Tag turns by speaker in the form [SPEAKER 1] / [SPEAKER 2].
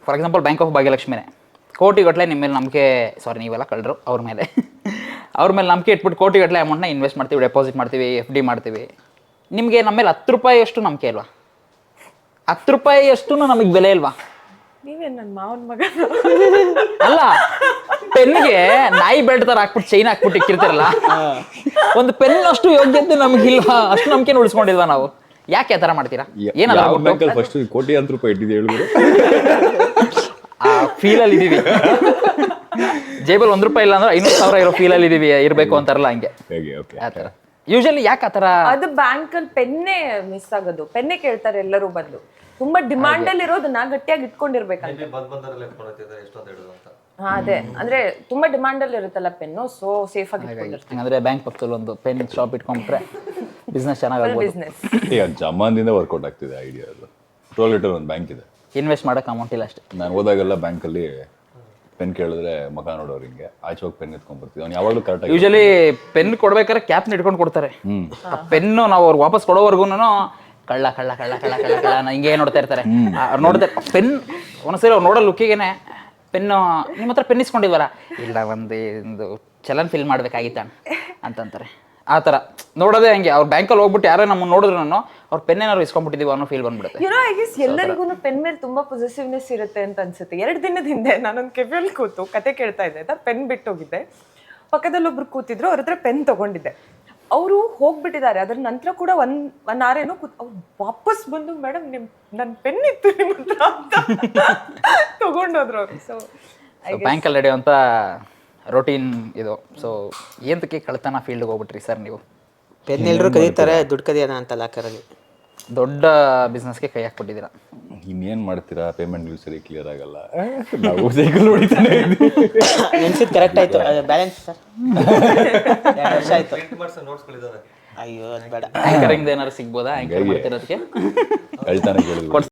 [SPEAKER 1] For example bank of ಭಾಗ್ಯಲಕ್ಷ್ಮಿನೇ ಕೋಟಿಗಟ್ಟಲೆ ನಿಮ್ಮ ಮೇಲೆ ನಂಬಿಕೆ, ಸಾರಿ ನೀವೆಲ್ಲ ಕಳ್ಳರು ಅವ್ರ ಮೇಲೆ ನಂಬಿಕೆ ಇಟ್ಬಿಟ್ಟು ಕೋಟಿಗಟ್ಟಲೆ ಅಮೌಂಟ್ನ ಇನ್ವೆಸ್ಟ್ ಮಾಡ್ತೀವಿ, ಡೆಪಾಸಿಟ್ ಮಾಡ್ತೀವಿ, FD ಮಾಡ್ತೀವಿ. ನಿಮಗೆ ನಮ್ಮ ಮೇಲೆ 10 ರೂಪಾಯಿ ಅಷ್ಟು ನಂಬಿಕೆ ಇಲ್ವಾ? 10 ರೂಪಾಯಿ ಅಷ್ಟು ನಮಗೆ ಬೆಲೆ ಇಲ್ವಾ?
[SPEAKER 2] ನೀವೇನ್ ನನ್ನ ಮಾವನ ಮಗ?
[SPEAKER 1] ಅಲ್ಲ, ಪೆನ್ಗೆ ನಾಯಿ ಬೆಲ್ಟ್ ತರ ಹಾಕ್ಬಿಟ್ಟು ಚೈನ್ ಹಾಕ್ಬಿಟ್ಟು ಇಕ್ಕಿರ್ತಾರಲ್ಲ, ಒಂದು ಪೆನ್ ಅಷ್ಟು ಯೋಗ್ಯತೆ ನಮಗಿಲ್ವಾ? ಅಷ್ಟು ನಂಬಿಕೆ ಉಳಿಸ್ಕೊಂಡಿಲ್ವಾ ನಾವು? ಯಾಕೆ ಆ ಥರ ಮಾಡ್ತೀರಾ?
[SPEAKER 3] ಏನಾದ್ರು ಫಸ್ಟ್ ಕೋಟ್ಯಾಂತರ ರೂಪಾಯಿ ಇಟ್ಟಿದೆ ಹೇಳಿದ್ರು
[SPEAKER 1] ಆ ಫೀಲಲ್ಲಿ ಇದೀವಿ. ಜೇಬಲ್ 1 ರೂಪಾಯಿ ಇಲ್ಲ ಅಂದ್ರೆ 500,000 ಇರೋ ಫೀಲಲ್ಲಿ ಇದೀವಿ, ಇರಬೇಕು ಅಂತಾರಲ್ಲ ಹಂಗೆ ಆ ಥರ. ಯೂಶಲಿ ಯಾಕೆ ಆ ಥರ?
[SPEAKER 2] ಅದು ಬ್ಯಾಂಕಲ್ಲಿ ಪೆನ್ನೇ ಮಿಸ್ ಆಗೋದು. ಪೆನ್ನೇ ಕೇಳ್ತಾರೆ ಎಲ್ಲರೂ ಬಂದು. ತುಂಬಾ ಡಿಮಾಂಡ್ ಅಲ್ಲಿ ಇರೋದನ್ನ ಗಟ್ಟಿಯಾಗಿ ಇಟ್ಕೊಂಡಿರ್ಬೇಕಂತ. ಅದೇ ಅಂದ್ರೆ ತುಂಬಾ ಡಿಮಾಂಡ್ ಅಲ್ಲಿ ಇರುತ್ತಲ್ಲ ಪೆನ್ನು, ಸೊ ಸೇಫ್ ಆಗಿ ಇಟ್ಕೊಂಡಿರ್ತೀವಿ.
[SPEAKER 1] ಅಂದ್ರೆ ಬ್ಯಾಂಕ್ ಪಕ್ಕದಲ್ಲಿ ಒಂದು ಪೆನ್ ಶಾಪ್ ಇಟ್ಕೊಂಡ್ರೆ ಬಿಸ್ನೆಸ್ ಚೆನ್ನಾಗಿ
[SPEAKER 2] ಬಿಸ್ನೆಸ್.
[SPEAKER 3] ಜಮಾನಿಂದ ವರ್ಕೌಟ್ ಆಗ್ತಿದೆ ಐಡಿಯಾ. ಅದು 12 ಲೀಟರ್ ಒಂದು ಬ್ಯಾಂಕ್ ಇದೆ,
[SPEAKER 1] ಇನ್ವೆಸ್ಟ್ ಮಾಡಕ್ಕೆ ಅಮೌಂಟ್ ಇಲ್ಲ ಅಷ್ಟೇ.
[SPEAKER 3] ನಾನು ಹೋದಾಗೆಲ್ಲ ಬ್ಯಾಂಕಲ್ಲಿ ಪೆನ್ ಕೇಳಿದ್ರೆ ಮಗ ನೋಡೋರು ಹಿಂಗೆ ಆಚೆ ಹೋಗಿ ಪೆನ್ ಎತ್ಕೊಂಡ್ ಬರ್ತೀವಿ. ಅವ್ನು ಯಾವಾಗಲೂ ಕರೆಕ್ಟಾಗಿ
[SPEAKER 1] ಯೂಶಲಿ ಪೆನ್ ಕೊಡ್ಬೇಕಾದ್ರೆ ಕ್ಯಾಪ್ನ ಇಟ್ಕೊಂಡು ಕೊಡ್ತಾರೆ. ಆ ಪೆನ್ನು ನಾವು ಅವ್ರಿಗೆ ವಾಪಸ್ ಕೊಡೋವರೆಗೂ ಕಳ್ಳ ಕಳ್ಳ ಕಳ್ಳ ಕಳ್ಳ ಕಳ್ಳ ಕಳ್ಳ ಹಿಂಗೆ ನೋಡ್ತಾ ಇರ್ತಾರೆ. ಅವ್ರು ನೋಡ್ತಾರೆ ಪೆನ್ ಒಂದ್ಸರಿ ಅವ್ರು ನೋಡೋ ಲುಕ್ಕಿಗೆನೆ ಪೆನ್ನು ನಿಮ್ಮ ಹತ್ರ ಪೆನ್ ಇಸ್ಕೊಂಡಿಲ್ವಲ್ಲ, ಇಲ್ಲ ಒಂದು ಚಲನ್ ಫಿಲ್ ಮಾಡ್ಬೇಕಾಗಿತ್ತ ಅಂತಂತಾರೆ. ಆ ಥರ ನೋಡೋದೇ ಹಂಗೆ. ಅವ್ರು ಬ್ಯಾಂಕಲ್ಲಿ ಹೋಗ್ಬಿಟ್ಟು ಯಾರೋ ನಮ್ಮನ್ನು ನೋಡಿದ್ರು ಅವ್ರ ಪೆನ್ ಏನಾದ್ರು ಇಸ್ಕೊಂಡ್ಬಿಟ್ಟಿದೀವಿ ಅನ್ನೋ ಫೀಲ್ ಬಂದ್ಬಿಡುತ್ತೆ.
[SPEAKER 2] ಐ ಗೆಸ್ ಎಲ್ಲರಿಗೂ ಪೆನ್ ಮೇಲೆ ತುಂಬಾ ಪೊಸೆಸಿವ್ನೆಸ್ ಇರುತ್ತೆ ಅಂತ ಅನ್ಸುತ್ತೆ. 2 ದಿನದ ಹಿಂದೆ ನಾನೊಂದು ಕೆಫೆಯಲ್ಲಿ ಕೂತು ಕತೆ ಕೇಳ್ತಾ ಇದ್ದೆ ಆಯ್ತಾ, ಪೆನ್ ಬಿಟ್ಟು ಹೋಗಿದ್ದೆ. ಪಕ್ಕದಲ್ಲಿ ಒಬ್ರು ಕೂತಿದ್ರು, ಅವ್ರ ಹತ್ರ ಪೆನ್ ತಗೊಂಡಿದ್ದೆ. ಅವರು ಹೋಗ್ಬಿಟ್ಟಿದ್ದಾರೆ. ಅದ್ರ ನಂತರ ಕೂಡ ಒನ್ ಅವರ್ ಏನೋ ಅವ್ರು ವಾಪಸ್ ಬಂದು ಮೇಡಮ್ ನನ್ನ ಪೆನ್ ಇತ್ತು ನಿಮ್ಮ ಹತ್ರ ಅಂತ ತಗೊಂಡೋದ್ರು ಅವರು. ಸೊ
[SPEAKER 1] ಬ್ಯಾಂಕಲ್ಲಿ ನಡೆಯುವಂಥ ರೊಟೀನ್ ಇದು. ಸೊ ಏನಕ್ಕೆ ಕಳ್ತನ ಫೀಲ್ಡ್ಗೆ ಹೋಗ್ಬಿಟ್ರಿ ಸರ್ ನೀವು?
[SPEAKER 4] ಪೆನ್ ಎಲ್ಲರೂ ಕದೀತಾರೆ, ದುಡ್ಡು ಕದಿಯೋಣ ಅಂತ ಲಾಕರಲ್ಲಿ.
[SPEAKER 1] ದೊಡ್ಡ ಬಿಸ್ನೆಸ್ಗೆ ಕೈ ಹಾಕ್ಬಿಟ್ಟಿದ್ದೀರಾ.
[SPEAKER 3] ಇನ್ನೇನು ಮಾಡ್ತೀರಾ? ಪೇಮೆಂಟ್ ಸರಿ ಕ್ಲಿಯರ್ ಆಗಲ್ಲ. ನಾವು ಸೈಕಲ್ ಹೊಡಿತಾನೆ
[SPEAKER 4] ನೆನ್ಸಿದ್ ಕರೆಕ್ಟ್ ಆಯ್ತು. ಬ್ಯಾಲೆನ್ಸ್ ಸರ್ 2 ವರ್ಷ ಆಯ್ತು. ಅಯ್ಯೋ ಅದು ಬೇಡ.
[SPEAKER 1] ಆಂಕರಿಂಗ್ ಏನಾದ್ರು ಸಿಗ್ಬೋದಾ? ಆಂಕರ್ ಮಾಡ್ತಿರೋದಕ್ಕೆ
[SPEAKER 3] ಹೇಳ್ತಾನೆ ಕೇಳಿದ್ರು.